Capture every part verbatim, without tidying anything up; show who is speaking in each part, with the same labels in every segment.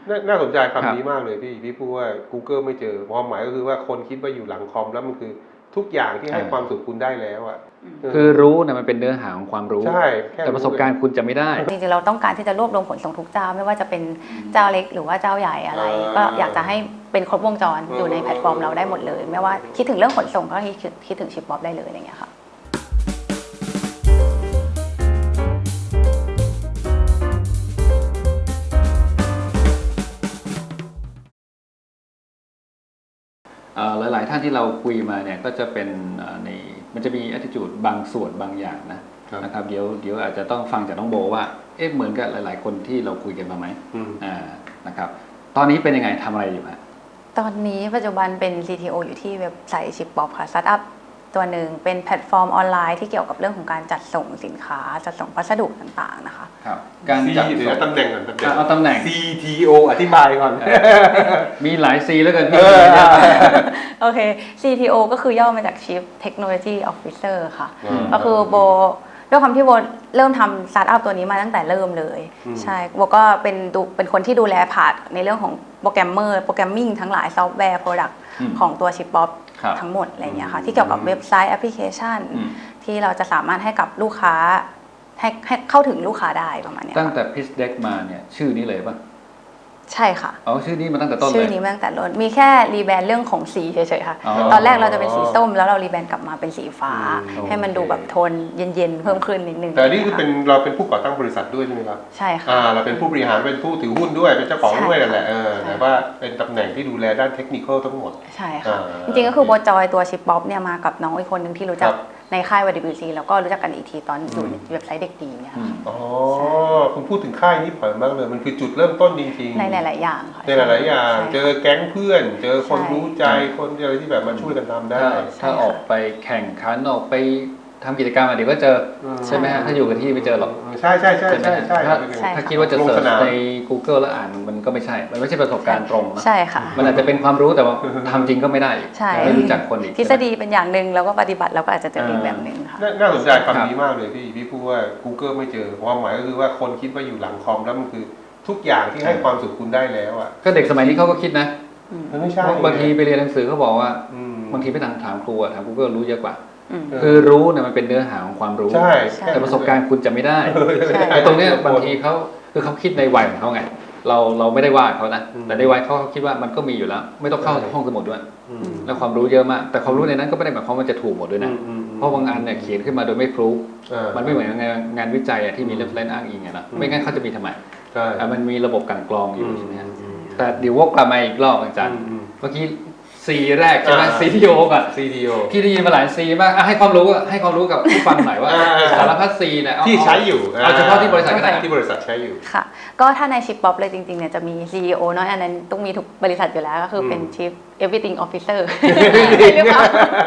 Speaker 1: น่าสนใจคำนี้มากเลยพี่พี่พูดว่า Google ไม่เจอความหมายก็คือว่าคนคิดว่าอยู่หลังคอมแล้วมันคือทุกอย่างที่ให้ความสุขคุณได้แล้วอ่ะ
Speaker 2: คือรู้นะมันเป็นเนื้อหาของความรู้
Speaker 1: ใช่
Speaker 2: แต่ประสบการณ์คุณจะไม่ได้
Speaker 3: จริงๆเราต้องการที่จะรวบรวมขนส่งทุกเจ้าไม่ว่าจะเป็นเจ้าเล็กหรือว่าเจ้าใหญ่อะไรก็อยากจะให้เป็นครบวงจรอยู่ในแพลตฟอร์มเราได้หมดเลยไม่ว่าคิดถึงเรื่องขนส่งก็คิดคิดถึงชิปบ๊อบได้เลยอะไรเงี้ยค่ะ
Speaker 2: หลายๆท่านที่เราคุยมาเนี่ยก็จะเป็นในมันจะมี attitude บางส่วนบางอย่างนะนะครับเดี๋ยวเดี๋ยวอาจจะต้องฟังจากน้องโบว่าเอ๊ะเหมือนกับหลายๆคนที่เราคุยกันมาไหมอ่านะครับตอนนี้เป็นยังไงทำอะไรอยู่ฮะ
Speaker 3: ตอนนี้ปัจจุบันเป็น ซี ที โอ อยู่ที่เว็บไซต์ชิปบ๊อบค่ะสตาร์ทอัพตัวหนึ่งเป็นแพลตฟอร์มออนไลน์ที่เกี่ยวกับเรื่องของการจัดส่งสินค้าจัดส่งพัสดุต่างๆนะคะ
Speaker 2: ครับการจัดส่ง
Speaker 1: ตำแหน่งก่อนตำแหน่ง
Speaker 2: เอาตำแหน่ง
Speaker 1: ซี ที โอ อธิบายก่อน
Speaker 2: มีหลาย C แล้วกันพี่
Speaker 3: โอเค ซี ที โอ ก็คือย่อมาจาก Chief Technology Officer ค่ะก็คือโบด้วยความที่โบเริ่มทำสตาร์ทอัพตัวนี้มาตั้งแต่เริ่มเลยใช่โบก็เป็นดูเป็นคนที่ดูแลพาร์ทในเรื่องของโปรแกรมเมอร์โปรแกรมมิ่งทั้งหลายซอฟต์แวร์โปรดักต์ของตัวชิปบ๊อบทั้งหมดอะไรเงี้ยค่ะที่เกี่ยวกับเว็บไซต์แอปพลิเคชันที่เราจะสามารถให้กับลูกค้าให้ให้เข้าถึงลูกค้าได้ประมาณนี้
Speaker 2: ตั้งแต่ Pitch Deck มาเนี่ยชื่อนี้เลยป่ะ
Speaker 3: ใช่ค่ะ
Speaker 2: อ๋อชื่อนี้มาตั้งแต่ต้นเลย
Speaker 3: ชื่อนี้มาตั้งแต่ต้นมีแค่รีแบรนด์เรื่องของสีเฉยๆค่ะตอนแรกเราจะเป็นสีส้มแล้วเรารีแบรนด์กลับมาเป็นสีฟ้าให้มันดูแบบโทนเย็นๆเพิ่มขึ้นนิดนึง
Speaker 1: แต่นี่คือเป็นเราเป็นผู้ก่อตั้งบริษัทด้วยใช่ไหมครับ
Speaker 3: ใช่ค่ะ
Speaker 1: อ่าเราเป็นผู้บริหารเป็นผู้ถือหุ้นด้วยเป็นเจ้าของด้วยนั่นแหละเออแต่ว่าเป็นตำแหน่งที่ดูแลด้านเทคนิคทั้งหมด
Speaker 3: ใช่ค่ะจริงๆก็คือโบจอยตัวชิปบ๊อบเนี่ยมากับน้องอีกคนหนึ่งที่รู้จักในค่าย วาย ดับเบิลยู ซี แล้วก็รู้จักกันอีกทีตอนอยู่เว็บไซต์เด็กดีเนี่ยค่ะ
Speaker 1: อ๋อคุณพูดถึงค่ายนี้ผ่านมากเลยมันคือจุดเริ่มต้นจริงๆ
Speaker 3: ในหลายๆอย่างค่ะ
Speaker 1: ในหลายๆอย่างเจอแก๊งเพื่อนเจอคนรู้ใจคนอะไรที่แบบมาช่วยกันทำได้
Speaker 2: ถ้าออกไปแข่งขันออกไปทำกิจกรรมเดี๋ยวก็เจอใช่ไหมฮะถ้าอยู่กับที่ไม่เจอหรอก
Speaker 1: ใช่ใช่ใช่ใช่ใช่
Speaker 2: ถ้าคิดว่าจะเสิร์ชใน Google แล้วอ่านมันก็ไม่ใช่มันไม่ใช่ประสบการณ์ตรงนะ
Speaker 3: ใช่ค่ะ
Speaker 2: มันอาจจะเป็นความรู้แต่ว่าทำจริงก็ไม่ได้ไม่รู้จักคนอีก
Speaker 3: ทฤษฎีเป็นอย่างหนึ่งแล้วก็ปฏิบัติเราก็อาจจะเจออีกแบบหนึ่งค่ะ
Speaker 1: น่าสนใจคำนี้มากเลยพี่พี่พูดว่า Google ไม่เจอความหมายก็คือว่าคนคิดว่าอยู่หลังคอมแล้วมันคือทุกอย่างที่ให้ความสุขคุณได้แล้วอ่ะ
Speaker 2: ก็เด็กสมัยนี้เขาก็คิดนะ
Speaker 1: ไม่ใช่
Speaker 2: บางทีไปเรียนหนังสือเขาบอกว่าบางทีไปถามถามครูถาม Google รู้เยอะกว่าคือรู้เนี่ยมันเป็นเนื้อหาของความรู้แต่ประสบการณ์คุณจะไม่ได้ไอ้ตรงเนี้ยบางทีเขาคือเขาคิดในวัยของเขาไงเราเราไม่ได้ว่าเขานะแต่ในวัยเขาเขาคิดว่ามันก็มีอยู่แล้วไม่ต้องเข้าห้องสมุดด้วยแล้วความรู้เยอะมากแต่ความรู้ในนั้นก็ไม่ได้หมายความว่าจะถูกหมดด้วยนะเพราะบางอันเนี่ยเขียนขึ้นมาโดยไม่พรูฟมันไม่เหมือนงานงานวิจัยที่มีเรฟเฟรนซ์อ้างอิงไงนะไม่งั้นเขาจะมีทำไมมันมีระบบกลั่นกรองอยู่ใช่ไหมแต่เดี๋ยววกกลับมาอีกรอบอาจารย์เมื่อกี้ซีแรกใช่ไหมซีทีโอก่อน
Speaker 1: ซีทีโอ
Speaker 2: ที่ได้ยินมาหลายซีมากให้ความรู้ให้ความรู้กับผู้ฟังหน่อยว่าสารพัดซีเนี่ย
Speaker 1: ที่ใช้อยู่
Speaker 2: เอาเฉพาะที่บริษัทก็ได้
Speaker 1: ที่บริษัทใช้อยู่
Speaker 3: ค่ะก็ถ้าในชิปบ๊อบเลยจริงๆเนี่ยจะมี ซี อี โอ เนาะอันนั้นต้องมีทุกบริษัทอยู่แล้วก็คือเป็น Chief Everything Officer หรือเปล่า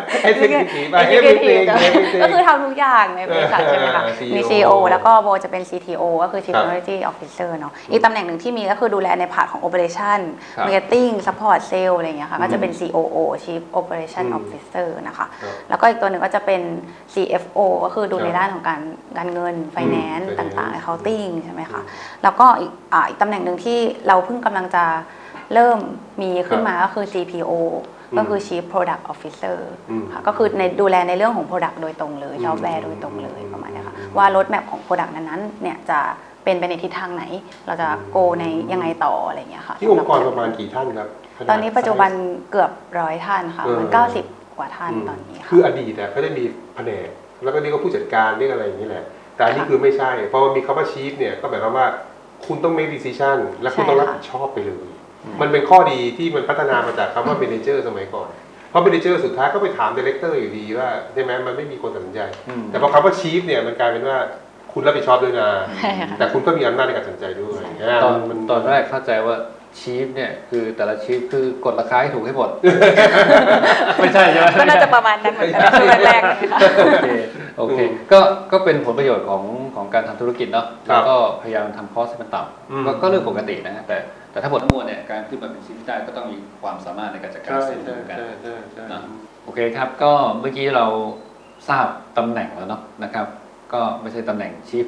Speaker 1: Everything
Speaker 3: ก็คือทำทุกอย่างในบริษัทใช่ไหมคะมี ซี อี โอ แล้วก็โบจะเป็น ซี ที โอ ก็คือ Chief Technology Officer เนาะอีกตำแหน่งหนึ่งที่มีก็คือดูแลในพาร์ทของ Operation Marketing Support Sales อะไรอย่างเงี้ยค่ะก็จะเป็น ซี โอ โอ Chief Operation Officer นะคะแล้วก็อีกตัวหนึ่งก็จะเป็น ซี เอฟ โอ ก็คือดูในด้านของการการเงิน Finance ต่างๆ Accounting ใช่ไหมคะแล้วก็อีกอีกตำแหน่งหนึ่งที่เราเพิ่งกำลังจะเริ่มมีขึ้นมาก็คือ ซี พี โอ ก็คือ Chief Product Officer ค่ะก็คือในดูแลในเรื่องของ Product โดยตรงเลยซอฟต์แวร์โดยตรงเลยประมาณนี้ค่ะว่า road map ของ Product นั้นๆเนี่ยจะเป็นไปในทิศทางไหนเราจะ go ในยังไงต่ออะไรอย่างเงี้ยค่ะ
Speaker 1: ที่องค์กรประมาณกี่ท่านครับ
Speaker 3: ตอนนี้ปัจจุบันเกือบร้อยท่านค่ะมันเก้าสิบกว่าท่านตอนนี้ค่ะ
Speaker 1: คืออดีตก็ได้มีแผนกแล้วก็นี่ก็ผู้จัดการเรื่องอะไรอย่างนี้แหละแต่อันนี้คือไม่ใช่เพราะมันมีคำว่า Chief เนี่ยก็หมายความว่าคุณต้อง make decision และคุณต้องรับผิดชอบไปเลยมันเป็นข้อดีที่มันพัฒนามาจากคำว่า manager สมัยก่อนเพราะ manager สุดท้ายก็ไปถาม director อยู่ดีว่าใช่ไหมมันไม่มีคนตัดสินใจแต่พอคำว่า chief เนี่ยมันกลายเป็นว่าคุณรับผิดชอบด้วยนะแต่คุณก็มีอำนาจในการตัดสินใจด้วย
Speaker 2: ตอนตอนแรกเข้าใจว่าชีฟเนี่ยคือแต่ละชีฟคือกดราคาให้ถูกให้หมดไม่ใช่ใช่ไหม
Speaker 3: ก็น่าจะประมาณนั้นเหมือนกันช่วงแรกเลยค่ะ
Speaker 2: โอเคโอเคก็ก็เป็นผลประโยชน์ของของการทำธุรกิจเนาะแล้วก็พยายามทำคอสให้มันต่ำก็เรื่องปกตินะแต่แต่ถ้าหมดทั้งมวลเนี่ยการขึ้นมาเป็นชีฟได้ก็ต้องมีความสามารถในการจัดการเสร็จเหมือนกันนะโอเคครับก็เมื่อกี้เราทราบตำแหน่งแล้วเนาะนะครับก็ไม่ใช่ตำแหน่งชีฟ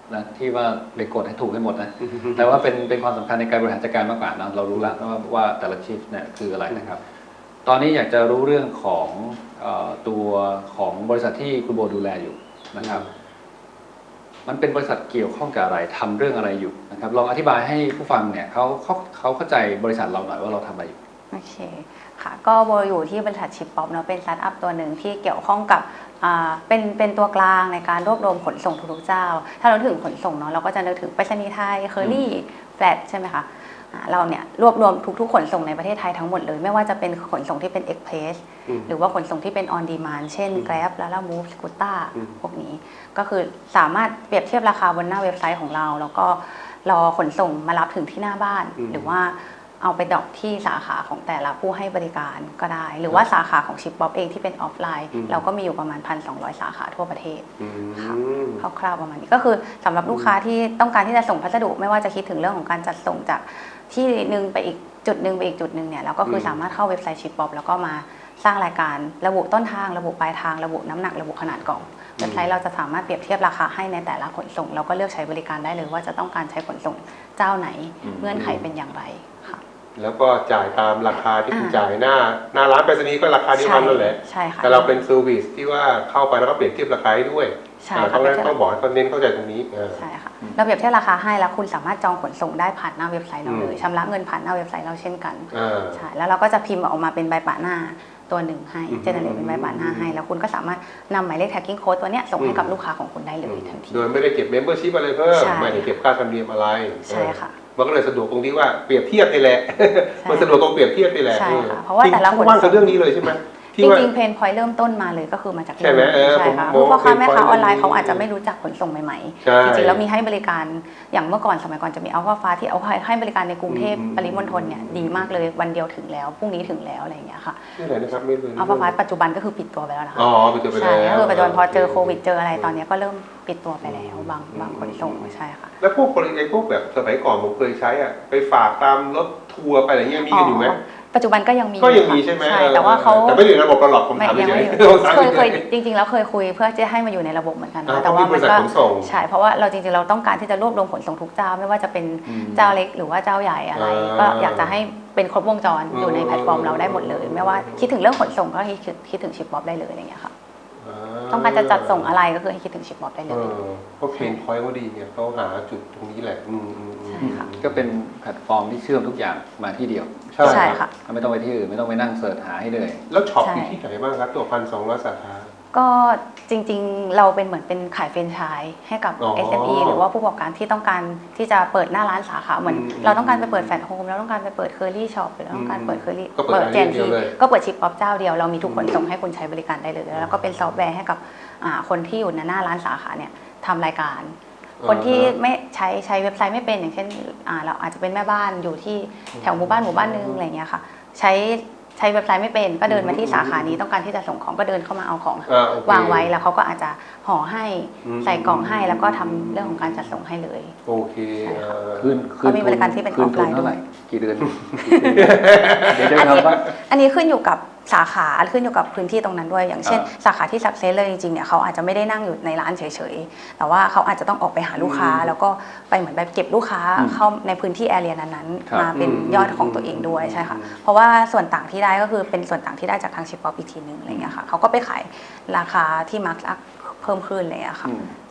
Speaker 2: นะที่ว่าไปกดให้ถูกให้หมดนะแต่ว่าเป็นเป็นความสำคัญในการบริหารจัดการมากกว่านะเรารู้แล้วว่าว่าแต่ละชิฟเนี่ยคืออะไรนะครับ ตอนนี้อยากจะรู้เรื่องของเอ่อตัวของบริษัทที่คุณโบดูแลอยู่นะครับมันเป็นบริษัทเกี่ยวข้องกับอะไรทำเรื่องอะไรอยู่นะครับลองอธิบายให้ผู้ฟังเนี่ยเขาเขาเขาเข้าใจบริษัทเราหน่อยว่าเราทำอะไรอยู่
Speaker 3: โอเคค่ะก็โบอยู่ที่บริษัทชิปป๊อปเนาะเป็นสตาร์ทอัพตัวหนึ่งที่เกี่ยวข้องกับอ่าเป็นเป็นตัวกลางในการรวบรวมขนส่งทุกๆเจ้าถ้าเราถึงขนส่งเนาะเราก็จะนึกถึงไปรษณีย์ไทยเคอรี่แฟลตใช่ไหมคะเราเนี่ยรวบรวมทุกๆขนส่งในประเทศไทยทั้งหมดเลยไม่ว่าจะเป็นขนส่งที่เป็น Express หรือว่าขนส่งที่เป็น On Demand เช่น Grab แล้ว Move Scooter พวกนี้ก็คือสามารถเปรียบเทียบราคาบนหน้าเว็บไซต์ของเราแล้วก็รอขนส่งมารับถึงที่หน้าบ้านหรือว่าเอาไปดรอปที่สาขาของแต่ละผู้ให้บริการก็ได้หรือว่าสาขาของชิปป๊อปเองที่เป็นออฟไลน์เราก็มีอยู่ประมาณ หนึ่งพันสองร้อย สาขาทั่วประเทศค่ะคร่าวๆประมาณนี้ก็คือสำหรับลูกค้าที่ต้องการที่จะส่งพัสดุไม่ว่าจะคิดถึงเรื่องของการจัดส่งจากที่หนึ่งไปอีกจุดหนึ่งไปอีกจุดหนึ่งเนี่ยเราก็คือสามารถเข้าเว็บไซต์ชิปป๊อปแล้วก็มาสร้างรายการระบุต้นทางระบุปลายทางระบุน้ำหนักระบุขนาดกล่องเว็บไซต์เราจะสามารถเปรียบเทียบราคาให้ในแต่ละขนส่งเราก็เลือกใช้บริการได้เลยว่าจะต้องการใช้ขนส่งเจ้าไหนเงื่อนไขเป็นอย่างไรค่ะ
Speaker 1: แล้วก็จ่ายตามราคาที่คุณจ่ายหน้าหน้าร้านไปรษณีย์ก็ราคาเดียวกันนั่นแหละ
Speaker 3: ใช่ค่ะ
Speaker 1: แต่เราเป็นเซอร์วิสที่ว่าเข้าไปแล้วก็เปรียบเทียบราคาให้ด้วยต้องต้องบอกให้เขาเน้นเข้าใจตรงนี้
Speaker 3: ใช่ค่ะเราเปรียบเทียบราคาให้แล้วคุณสามารถจองขนส่งได้ผ่านหน้าเว็บไซต์เราเลยชำระเงินผ่านหน้าเว็บไซต์เราเช่นกันใช่แล้วเราก็จะพิมพ์ออกมาเป็นใบปะหน้าตัวหนึ่งให้เจเนเรตเป็นใบปะหน้าให้แล้วคุณก็สามารถนำหมายเลข tracking code ตัวเนี้ยส่งให้กับลูกค้าของคุณได้เลยทันที
Speaker 1: โดยไม่ได้เก็บ membership อะไรเพิ่มไม่ได้เก็บค่าธรรมเนียมอะไร
Speaker 3: ใช่ค่ะ
Speaker 1: มันก็เลยสะดวกตรงที่ว่าเปรียบเทียบนี่แหละมันสะดวกตรงเปรียบเทียบนี่แหละ
Speaker 3: ใช่ค่ะเพราะว่าแต่ละคน
Speaker 1: ว่างกับเรื่องนี้เลยใช่ไหม
Speaker 3: จริงๆเพนพอยต์เริ่มต้นมาเลยก็คือมาจาก
Speaker 1: ใช่ไหม
Speaker 3: ใช่ค่ะเพราะพ่อค้าแม่ค้าออนไลน์เขาอาจจะไม่รู้จักขนส่งใหม่ๆจริงๆแล้วมีให้บริการอย่างเมื่อก่อนสมัยก่อนจะมีอัลฟาฟ้าที่เอาให้บริการในกรุงเทพปริมณฑลเนี่ยดีมากเลยวันเดียวถึงแล้วพรุ่งนี้ถึงแล้วอะไรอย่างเงี้ยค่ะ
Speaker 1: นี่ไหนนะครับไม่รู้
Speaker 3: อัลฟาฟ้าปัจจุบันก็คือปิดตัวไปแล้วนะคะ
Speaker 1: อ๋อปิดตัวไปแล้ว
Speaker 3: ใช่คือปัจจุบันพอเจอโควิดเจออะไรตอนนี้ก็เริ่มปิดตัวไปแล้วบางบางขนส่งใช่ค่ะ
Speaker 1: แล้วพวกบริการพวกแบบสมัยก่อนผมเคยใช้อ่ะไปฝากตามรถทัวร์ไปอะไรเงี้ยมีกันอยู่ไหม
Speaker 3: ปัจจุบันก็ยังมี
Speaker 1: ก็ยังมีใช่ไหม
Speaker 3: ใช่แต่ว่าเขา
Speaker 1: แต่ไม่อยู่ในระบบระหลอกผมถามเฉยๆ
Speaker 3: เคยเคยจริงๆแล้วเคยคุยเพื่อจะให้มาอยู่ในระบบเหมือนกันนะแต่ว่ามันก็ใช่เพราะว่าเราจริงๆเราต้องการที่จะรวบรวมขนส่งทุกเจ้าไม่ว่าจะเป็นเจ้าเล็กหรือว่าเจ้าใหญ่อะไรก็อยากจะให้เป็นครบวงจรอยู่ในแพลตฟอร์มเราได้หมดเลยไม่ว่าคิดถึงเรื่องขนส่งก็คิดคิดถึงชิปป๊อปได้เลยอย่างเงี้ยค่ะต้องการจะจัดส่งอะไรก็คือให้คิดถึงชิปป๊อปได้เลย
Speaker 1: เพราะเพนพอยต์เขาดีเนี่ยเขาหาจุดตรงนี้แหละ
Speaker 3: ใช่ค่ะ
Speaker 2: ก็เป็นแพลตฟอร์มที่เชื่อมทุกอย่างมาที่เดียว
Speaker 3: ใช่ค่ะ
Speaker 2: ไม่ต้องไปที่อื่นไม่ต้องไปนั่งเสิร์ชหาให้เลย
Speaker 1: แล้วช็อปอยู่ที่ไหนบ้างครับตัวพันสองร้อยสาขา
Speaker 3: ก็จริงๆเราเป็นเหมือนเป็นขายแฟรนไชส์ให้กับ เอส เอ็ม อี หรือว่าผู้ประกอบการที่ต้องการที่จะเปิดหน้าร้านสาขาเหมือนเราต้องการไปเปิดแฟลตโฮมเราต้องการไปเปิดเคอรี่ช็อปหรือเราต้องการเปิดเคอรี่เปิดแจนทีก็เปิดชิปป๊อปเจ้าเดียวเรามีทุกคนส่งให้คุณใช้บริการได้เลยแล้วก็เป็นซอฟต์แวร์ให้กับคนที่อยู่ในหน้าร้านสาขาเนี่ยทำรายการคนที่ไม่ใช้ใช้เว็บไซต์ไม่เป็นอย่างเช่นเราอาจจะเป็นแม่บ้านอยู่ที่แถวหมู่บ้านหมู่บ้านนึงอะไรเงี้ยค่ะใช้ใช้เว็บไซต์ไม่เป็นก็เดินมาที่สาขานี้ต้องการที่จะส่งของก็เดินเข้ามาเอาของวางไว้แล้วเขาก็อาจจะห่อให้ใส่กล่องให้แล้วก็ทำเรื่องของการจัดส่งให้เลย
Speaker 1: โอเค
Speaker 2: คืนคืน
Speaker 3: มีบริการที่เป็นออฟไลน์ด้วย
Speaker 2: กี่เดือน
Speaker 3: อันนี้ขึ้นอยู่กับสาขาขึ้นอยู่กับพื้นที่ตรงนั้นด้วยอย่างเช่นสาขาที่สักเซสเลยจริงๆเนี่ยเขาอาจจะไม่ได้นั่งอยู่ในร้านเฉยๆแต่ว่าเขาอาจจะต้องออกไปหาลูกค้าแล้วก็ไปเหมือนแบบเก็บลูกค้าเข้าในพื้นที่แอเรียนั้นๆมาเป็นยอดของตัวเองด้วยใช่ค่ะเพราะว่าส่วนต่างที่ได้ก็คือเป็นส่วนต่างที่ได้จากทางชิปป๊อปอีกทีนึงอะไรเงี้ยค่ะเขาก็ไปขายราคาที่มาร์กอัพเพิ่มขึ้นอะไรเงี้ยค่ะ